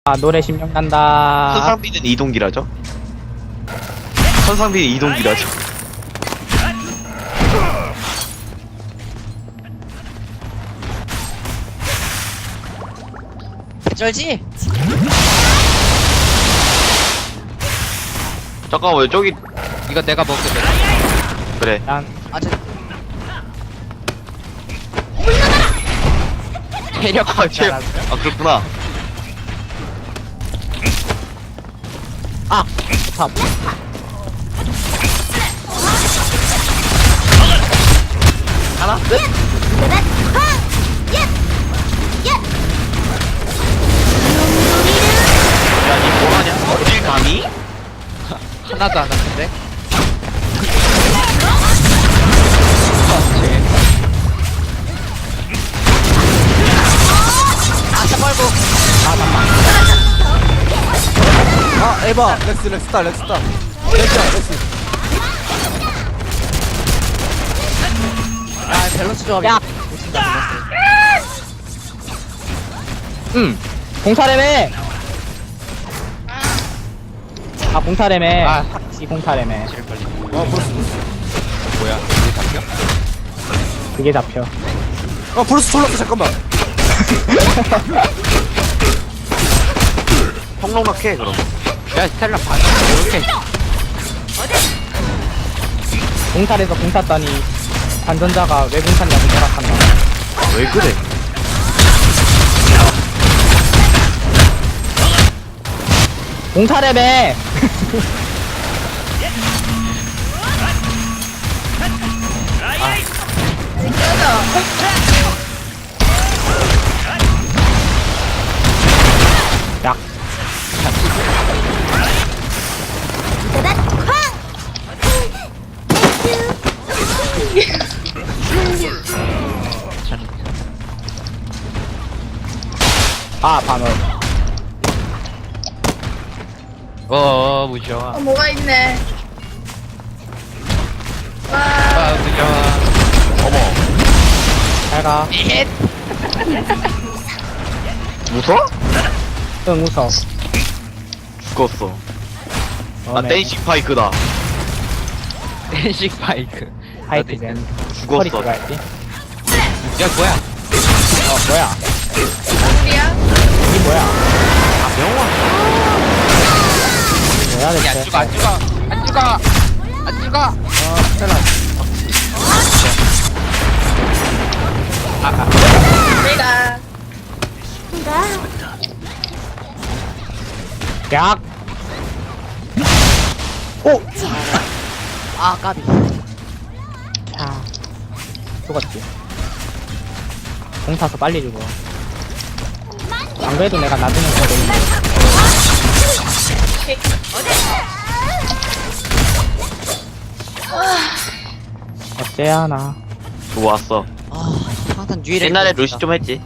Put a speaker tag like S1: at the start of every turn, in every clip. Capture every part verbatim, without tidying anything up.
S1: 아 노래 심령 난다.
S2: 선상비는 이동기라죠? 선상비는 이동기라죠?
S3: 쩔지?
S2: 잠깐만 저기
S3: 이거 내가 먹게 돼.
S2: 그래
S1: 난
S3: 아주 체력
S2: 아, 쟤, 아 그렇구나
S1: 아! 탑.
S2: 하나? 끝? 야니 뭐하냐? 어딜 감히?
S3: 하나도 안 아픈데? 아, 빨고.
S4: 아 에바 렉스 렉스다 렉스다 렉스야 렉스
S3: 아, 밸런스 조합이.
S1: 야! 응! 공사래매! 아 공사래매.
S3: 아.
S1: 이 공사래매.
S3: 제일 빨리.
S4: 어 브루스 브루스
S3: 뭐야? 이게 잡혀?
S1: 그게 잡혀.
S4: 어 브루스 졸랐어 잠깐만
S2: 평롱락해 그럼
S3: 야, 스텔라 반. 이렇게.
S1: 공사에서 공 샀더니 관전자가 왜 공사냐고 생각한다.
S2: 아, 왜 그래?
S1: 공사래매! 야, 아 반월.
S3: 어, 무서워.
S5: 어, 뭐가 있네. 와,
S3: 아, 무서워.
S2: 어머
S1: 잘가.
S3: 잇!
S2: 웃어?
S1: 응 웃어.
S2: 죽었어 아
S1: 너네
S2: 댄싱 파이크다
S3: 댄식 바이크.
S1: 하이트젠.
S2: 죽었어
S1: 허리 들어갈지.
S3: 야, 뭐야?
S1: 어 뭐야?
S5: 우리야?
S1: 이 뭐야?
S2: 아 명화
S1: 뭐야
S3: 야,
S1: 대체?
S3: 안 죽어, 안 죽어. 안 죽어. 안 죽어.
S4: 어 스텔라
S5: 내가.
S1: 약. 오.
S3: 아, 까비.
S1: 자. 죽었지. 공 타서 빨리 죽어. 안 그래도 내가 나중에 거 되는데. 어째야 나.
S2: 좋았어
S3: 아, 항상 유일해.
S2: 옛날에 루시 좀 했지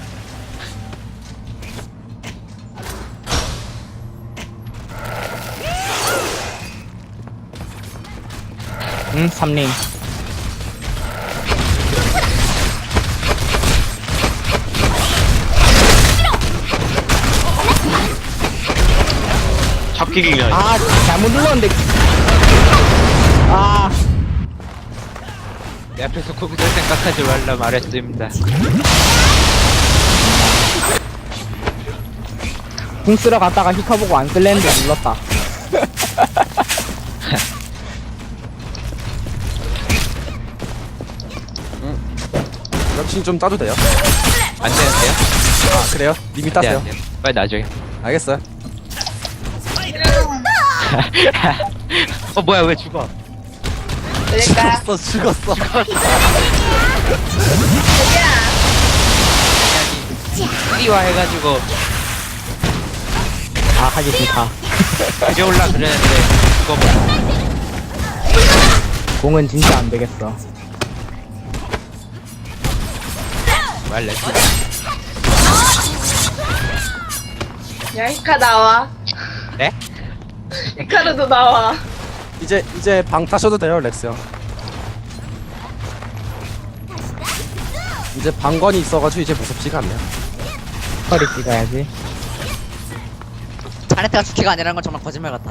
S1: 응 삼링.
S2: 잡히기 그냥
S1: 아 잘못 눌렀는데. 아.
S3: 내 앞에서 거기서 생각하지 말라 말했습니다.
S1: 궁 쓰러 갔다가 히카 보고 안 쓸랬는데 눌렀다.
S4: 역시 좀 따도 돼요?
S3: 안 되는데요?
S4: 아 그래요? 님이
S3: 네,
S4: 따세요
S3: 안 돼요. 빨리 나중에.
S4: 알겠어요
S3: 어, 뭐야, 왜 죽어?
S5: 내가.
S4: 죽었어 죽었어
S3: 띠와 해가지고,
S1: 아 하기 싫다.
S3: 가져올라 그랬는데, 죽어버려.
S1: 공은 진짜 안 되겠어.
S3: 말래.
S5: 야, 히카 나와.
S3: 네?
S5: 히카르도 나와.
S4: 이제 이제 방 타셔도 돼요 렉스 형 이제 방건이 있어가지고 이제 무섭지가 않네요.
S1: 허리 찍어야지.
S6: 자네트가 주키가 아니라는 건 정말 거짓말 같다.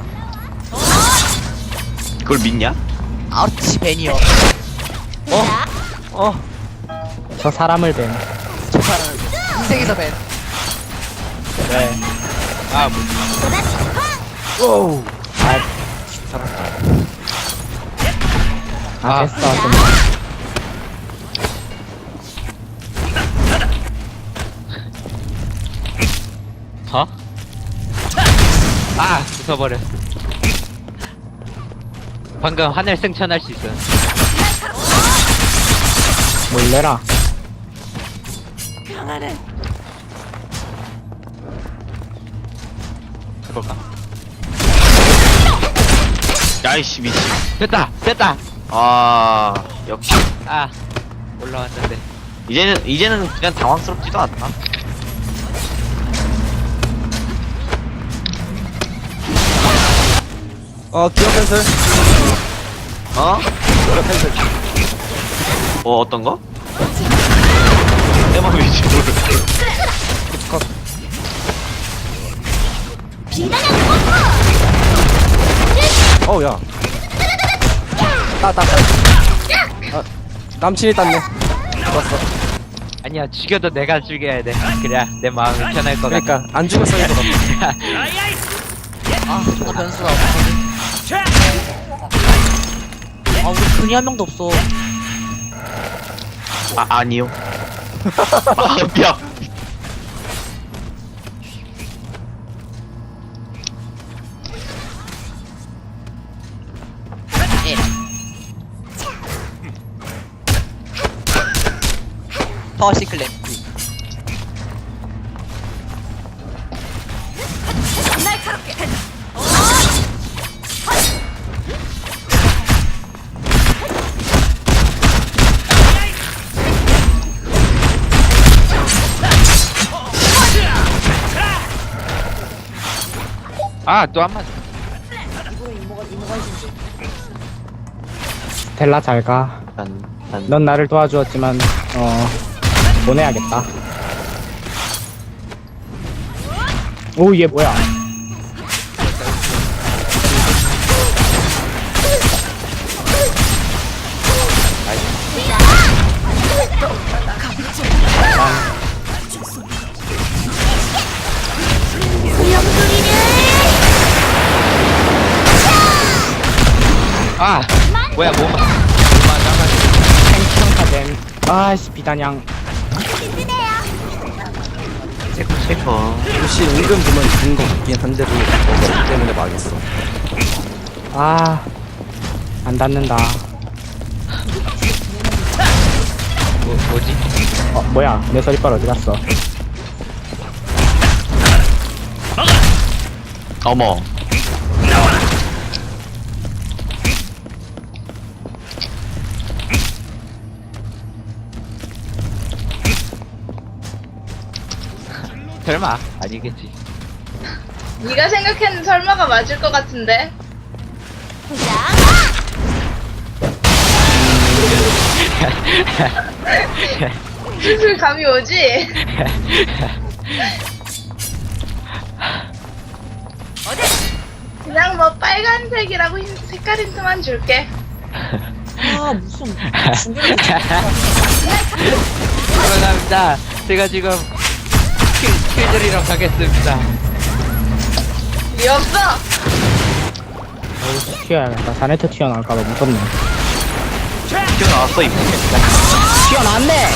S2: 그걸 믿냐?
S6: 아우치 벤이요.
S4: 어
S1: 저 사람을 뱀.
S6: 저 사람 인생에서 벤.
S1: 네.
S3: 아 뭐.
S4: 오우
S1: 아,
S3: 아.
S1: 됐어. 좀.
S3: 어? 아 부숴버렸어. 방금 하늘 승천할 수 있어.
S1: 몰래라.
S3: 해볼까?
S2: 야이씨 미친.
S3: 됐다 됐다.
S2: 아 역시
S3: 아 올라왔는데.
S2: 이제는 이제는 그냥 당황스럽지도 않다.
S4: 어 기어 캔슬
S2: 어?
S4: 기어 캔슬
S2: 어 어떤 거? 내 맘이지 뭘.
S4: 어우 야 따따따 아 남친이 땄네 좋았어
S3: 아니야 죽여도 내가 죽여야 돼. 그래야 내 마음이 편할 것 같아.
S4: 그러니까 안 죽었어 이거
S6: 아 존나 변수가 없어. 아 우리 근이 한 명도 없어.
S2: 아 아니요. 아 미안.
S6: 예. 파워 시클랩.
S3: 아또 한 번.
S1: 스텔라 잘 가.
S2: 난, 난
S1: 넌 나를 도와주었지만 어 보내야겠다. 오 얘 뭐야?
S3: 아 뭐야 뭐 마-
S1: 생평카덴. 아씨 비단양.
S2: 체코 체코.
S4: 역시 은근 보면 죽은 거 같긴 한데도 어그 때문에 망했어
S1: 아 안 닿는다.
S3: 뭐, 뭐지?
S1: 어 뭐야 내 서리빨 어디 갔어?
S2: 어머.
S3: 설마 아니겠지.
S5: 네가 생각했는 설마가 맞을 것 같은데. 슬슬 감이 오지? 그냥 뭐 빨간색이라고 힌- 색깔 힌트만 줄게.
S6: 아 무슨 중계를
S3: 감사합니다. 제가 지금 킬, 킬들이랑 가겠습니다.
S5: 이 없어.
S1: 어우 튀어야겠다. 자네트 튀어나올까봐 무섭네.
S2: 튀어나왔어 이거.
S1: 튀어나왔네.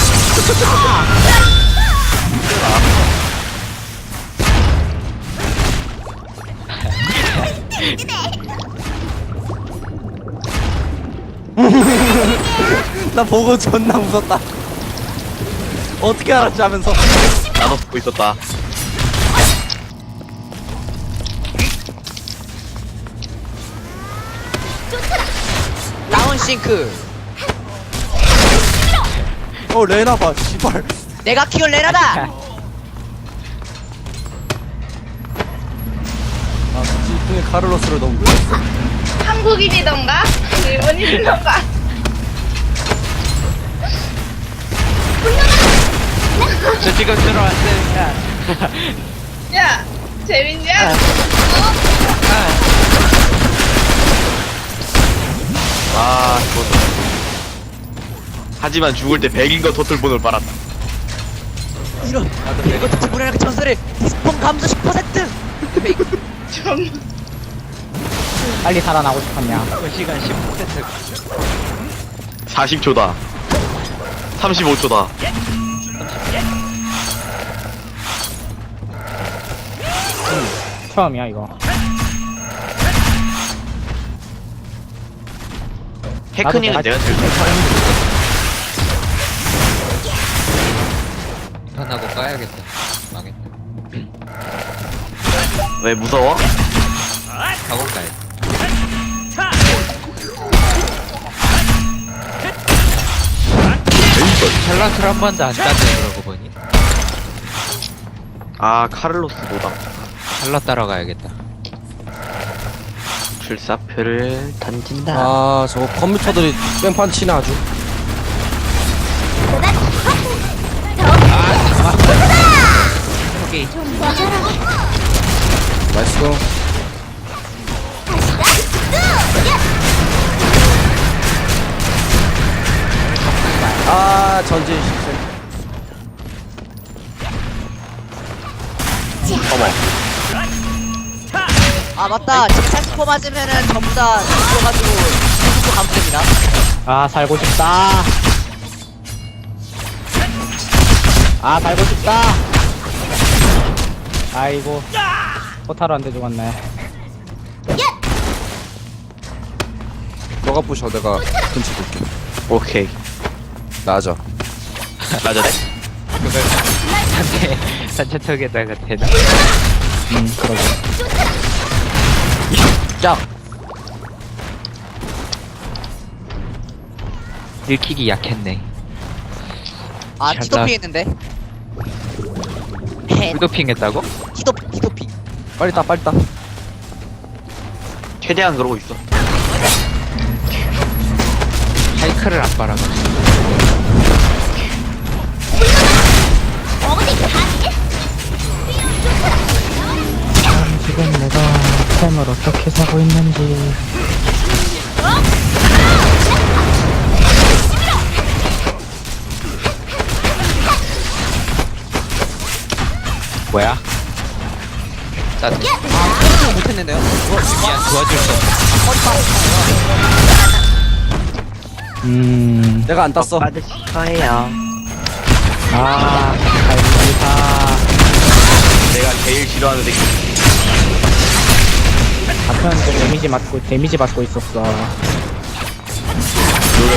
S4: 나 보고 존나 웃었다 어떻게 알았지 하면서
S2: 나도 보고 있었다.
S6: 다운 싱크.
S4: 어 레나 봐 씨발
S6: 내가 키운 레나다.
S4: 아 지풍의 카를로스를 너무 못했어
S5: 한국인이던가? 일본인이던가?
S3: 저 지금 들어왔습니다.
S5: 야, 재밌냐?
S2: 아, 죽었다. 하지만 죽을 때 백인거 토틀본을 빨았다.
S6: 이런 이거 대체 무례하게 전설을 디스폰 감소 십 퍼센트.
S5: 좀
S1: 빨리 살아나고 싶었냐.
S3: 그 시간 십 퍼센트.
S2: 사십 초다. 삼십오 초다.
S1: 처음이야 이거.
S2: 테크닉은
S1: 나도
S2: 내가 제일 잘.
S3: 판하고 까야겠다. 망했다.
S2: 왜 무서워?
S3: 학원 가야 돼. 샬럿을 한 번도 안 땄네 그러고 보니.
S2: 아, 카를로스 노다.
S3: 샬럿 따러 가야겠다.
S2: 출사표를 던진다.
S4: 아 저거 컴퓨터들이 뺑판 치네 아주.
S3: 여기
S4: 나이스. 아 전진 실패.
S2: 어머.
S6: 아 맞다. 지금 살스포 맞으면은 전부 다 죽어가지고 살스포 감됩니다.
S1: 아 살고 싶다. 아 살고 싶다. 아이고 포타로한테 죽었네.
S4: 너가 부셔 내가 근처 볼게.
S2: 오케이.
S4: 나자.
S2: 맞아네.
S3: 그걸 산채 산채턱에다가 대나?
S1: 음 그러게.
S2: 짝.
S3: 들키기 약했네.
S6: 아
S3: 잘
S6: 티도핑 했는데. 헤.
S3: 불도핑 했다고?
S6: 티도 티도핑.
S4: 빨리 따 빨리 따.
S2: 최대한 그러고 있어.
S3: 하이크를 안 빨아가지고.
S1: 지금 내가 템을 어떻게 사고 있는지.
S3: 뭐야? 짜증.
S6: 아 못했는데요.
S3: 미안 도와줄 수 없어.
S1: 음.
S4: 내가 안 땄어.
S2: 받으실 거예요.
S1: 아 갈비사.
S2: 내가 제일 싫어하는 새끼.
S1: 같은 데미지 맞고 데미지 받고 있었어.
S2: 노래.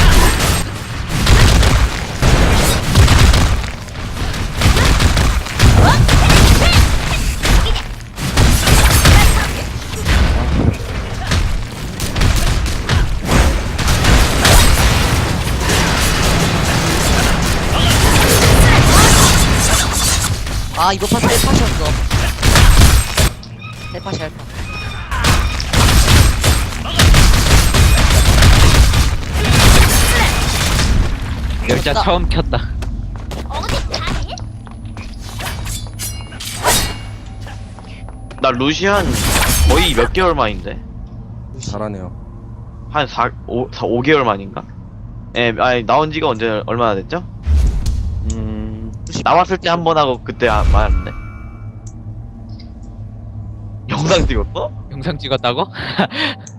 S6: 아 이번 파트 헬팟이었어. 헬팟이 헬팟.
S3: 열자
S6: 나-
S3: 처음 켰다.
S2: 나 루시안 거의 몇 개월 만인데?
S4: 잘하네요.
S2: 한 사, 오, 사, 오 개월 만인가? 예, 아니, 나온 지가 언제, 얼마나 됐죠? 음, 나왔을 때 한 번 하고 그때 안 맞았네. 영상 찍었어?
S3: 영상 찍었다고?